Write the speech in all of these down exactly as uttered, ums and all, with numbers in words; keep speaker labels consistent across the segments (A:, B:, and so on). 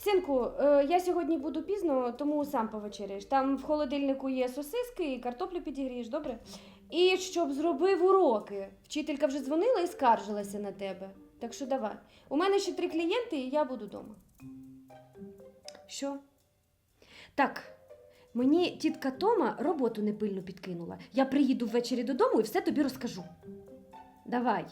A: Синку, е, я сьогодні буду пізно, тому сам повечеряєш. Там в холодильнику є сосиски і картоплю підігрієш, добре? І щоб зробив уроки. Вчителька вже дзвонила і скаржилася на тебе. Так що давай. У мене ще три клієнти, і я буду вдома. Що? Так, мені тітка Тома роботу непильно підкинула. Я приїду ввечері додому і все тобі розкажу. Давай.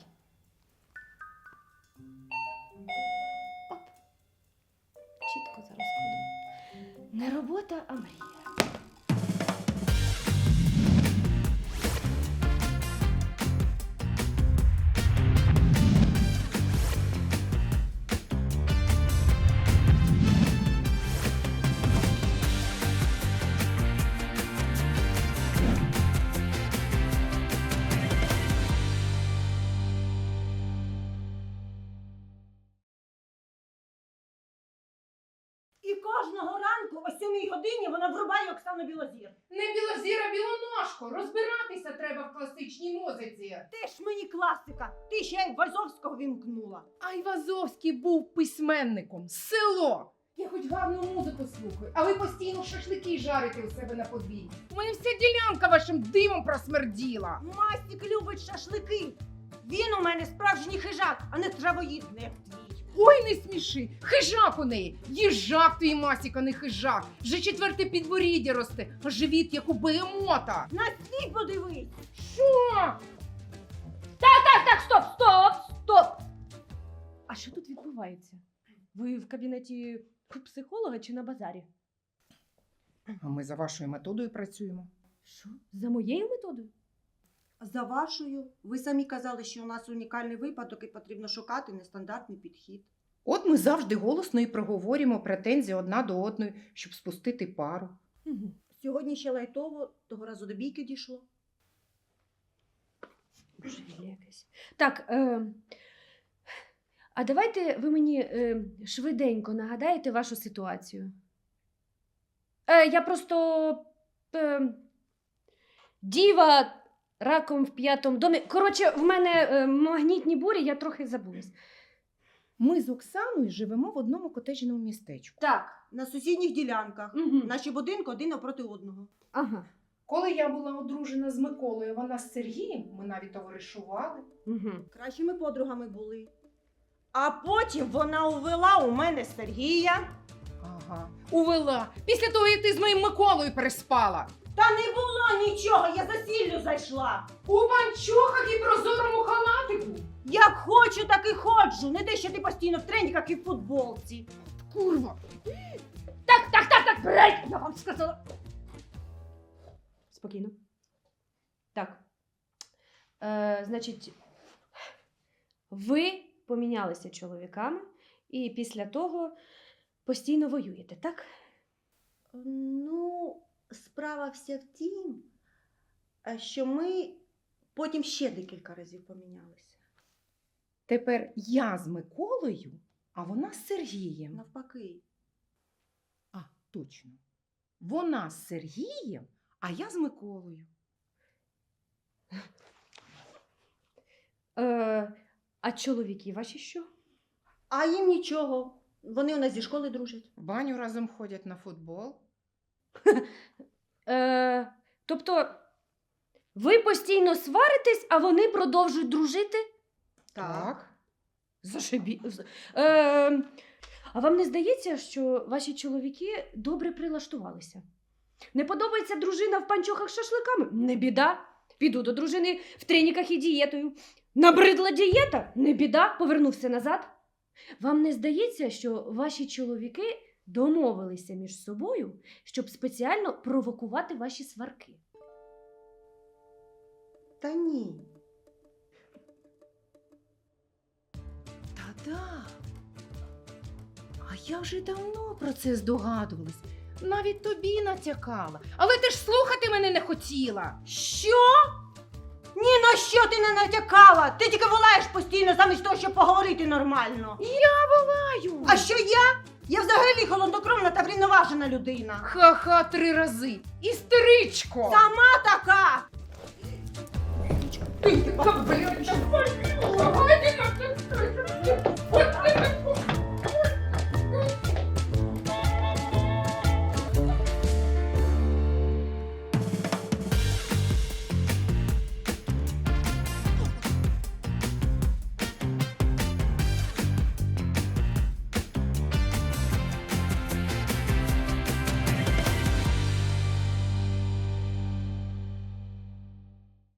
A: Оп. Чітко зараз ходимо. Не робота, а мрія.
B: І кожного ранку о сьомій годині вона врубає Оксану Білозір.
C: Не білозіра, білоножко. Розбиратися треба в класичній музиці.
B: Ти ж мені класика, ти ще й Вазовського вімкнула.
C: А Айвазовський був письменником. Село. Я хоч гарну музику слухаю, а ви постійно шашлики жарите у себе на подвір'ї. У мене вся ділянка вашим димом просмерділа.
B: Мастік любить шашлики. Він у мене справжній хижак, а не травоїдний, як твій.
C: Ой, не сміши. Хижак у неї. Їжак твій Масіка, не хижак. Вже четверте підборіддя росте, а живіт, як у бегемота.
B: На свій подивись.
C: Що?
A: Так, так, стоп, стоп, стоп! А що тут відбувається? Ви в кабінеті психолога чи на базарі?
C: А ми за вашою методою працюємо.
A: Що? За моєю методою?
B: За вашою, ви самі казали, що у нас унікальний випадок і потрібно шукати нестандартний підхід.
C: От ми завжди голосно і проговорюємо претензії одна до одної, щоб спустити пару.
A: Угу.
B: Сьогодні ще лайтово, того разу до бійки дійшло.
A: Божевілля якесь. Так, е, а давайте ви мені е, швиденько нагадаєте вашу ситуацію. Е, я просто е, діва раком в п'ятому домі. Коротше, в мене е, магнітні бурі, я трохи забулась.
C: Ми з Оксаною живемо в одному котеджному містечку.
A: Так.
B: На сусідніх ділянках.
A: Угу.
B: Наші будинки один напроти одного.
A: Ага.
C: Коли я була одружена з Миколою, вона з Сергієм, ми навіть товаришували.
A: Угу.
B: Кращими подругами були. А потім вона увела у мене Сергія.
C: Ага. Увела. Після того, як ти з моїм Миколою переспала.
B: Та не було нічого, я за сіллю зайшла.
C: У панчохах і прозорому халатику.
B: Як хочу, так і ходжу. Не те, що ти постійно в треніках і в футболці.
C: Курва.
A: Так, так, так, так, брейк! Я вам сказала. Спокійно. Так. Е, значить, ви помінялися чоловіками і після того постійно воюєте, так?
B: Ну, справа вся в тім, що ми потім ще декілька разів помінялися.
C: Тепер я з Миколою, а вона з Сергієм.
B: Навпаки.
C: А, точно. Вона з Сергієм, а я з Миколою.
A: Е, а чоловіки ваші що?
B: А їм нічого. Вони у нас зі школи дружать.
C: В баню разом ходять на футбол.
A: Е, тобто, ви постійно сваритесь, а вони продовжують дружити? Зашибі. з- Е, а вам не здається, що ваші чоловіки добре прилаштувалися? Не подобається дружина в панчохах з шашликами? Не біда. Піду до дружини в треніках і дієтою. Набридла дієта? Не біда. Повернувся назад. Вам не здається, що ваші чоловіки домовилися між собою, щоб спеціально провокувати ваші сварки?
B: Та ні.
C: Та-да. А я вже давно про це здогадувалась. Навіть тобі натякала. Але ти ж слухати мене не хотіла.
B: Що? Ні на що ти не натякала. Ти тільки волаєш постійно замість того, щоб поговорити нормально.
C: Аю.
B: А що я? Я взагалі холоднокровна та врівноважена людина.
C: Ха-ха, три рази. Істеричко.
B: Сама така.
C: Ти така, блядь,